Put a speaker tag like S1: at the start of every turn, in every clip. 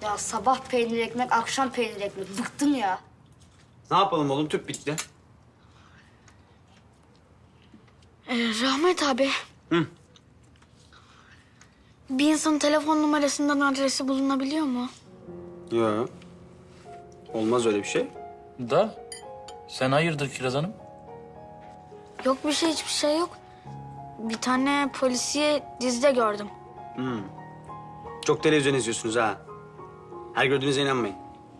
S1: Ya sabah peynir ekmek, akşam peynir ekmek. Bıktım ya.
S2: Ne yapalım oğlum? Tüp bitti.
S1: Rahmet abi.
S2: Hı.
S1: Bir insanın telefon numarasından adresi bulunabiliyor mu?
S2: Yok. Olmaz öyle bir şey.
S3: Da sen hayırdır Kiraz Hanım?
S1: Yok bir şey, hiçbir şey yok. Bir tane polisiye dizide gördüm.
S2: Çok televizyon izliyorsunuz ha. Her gördüğünüze inanmayın.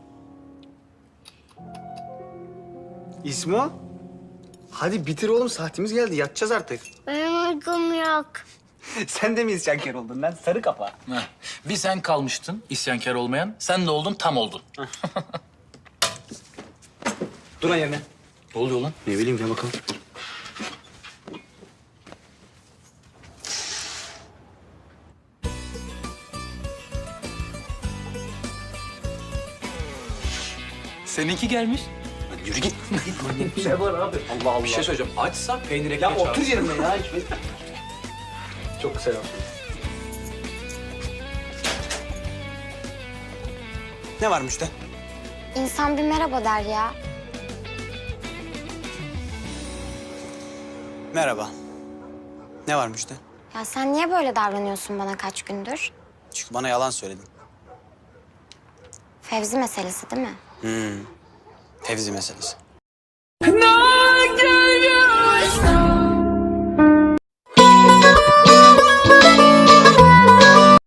S2: İsmo? Hadi bitir oğlum, saatimiz geldi. Yatacağız artık.
S1: Benim uykum yok.
S2: Sen de mi isyankar oldun lan? Sarı kafa.
S3: Heh. Bir sen kalmıştın isyankar olmayan. Sen de oldun tam oldun.
S2: Dur lan yerine.
S3: Ne oluyor lan?
S2: Ne bileyim, gel bakalım.
S3: Seninki gelmiş.
S2: Hadi yürü git. Git manyak bir şey var abi. Allah Allah.
S3: Bir şey söyleyeceğim. Açsa peynir ekmek
S2: Ya otur yerine ya. Çok güzel yaptın. Ne varmış da?
S4: İnsan bir merhaba der ya.
S2: Merhaba. Ne varmış da?
S4: Ya sen niye böyle davranıyorsun bana kaç gündür?
S2: Çünkü bana yalan söyledin.
S4: Fevzi meselesi değil mi?
S2: Fevzi meselesi.
S5: Kına geliyor.